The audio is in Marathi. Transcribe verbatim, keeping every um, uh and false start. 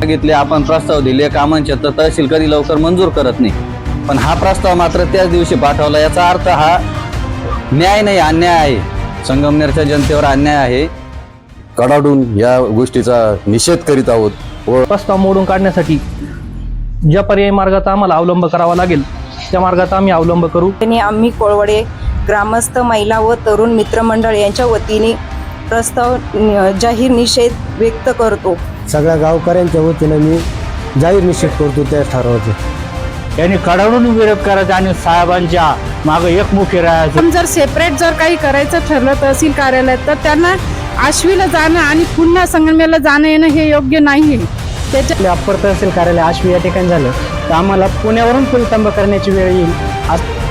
मागितले, आपण प्रस्ताव दिले कामांचे, तर तहसील कधी लवकर मंजूर करत नाही. पण हा प्रस्ताव मात्र त्याच दिवशी पाठवला. याचा अर्थ हा न्याय नाही, अन्याय आहे. संगमनेरच्या जनतेवर अन्याय आहे. कडाडून या गोष्टीचा निषेध करीत आहोत व प्रस्ताव मोडून काढण्यासाठी ज्या पर्यायी मार्गाचा आम्हाला अवलंब करावा लागेल त्या मार्गाचा आम्ही अवलंब करू. आणि आम्ही कोळवडे ग्रामस्थ महिला व तरुण मित्रमंडळ यांच्या वतीने प्रस्ताव जाहीर निषेध व्यक्त करतो. सगळ्या गावकऱ्यांच्या वतीने मी जाहीर निषेध करतो त्या ठरावाचा. यांनी कडाडून विरोध करायचा आणि साहेबांच्या मागे एकमुखी राहायचं. पण जर सेपरेट जर काही करायचं ठरलं तहसील कार्यालयात तर त्यांना आश्वीला जाणं आणि पुन्हा संगमेला जाणं येणं हे योग्य नाही आहे. त्याच्या अप्पर तहसील कार्यालय आश्वी या ठिकाणी झालं तर आम्हाला पुण्यावरून फुलतंब करण्याची वेळ येईल.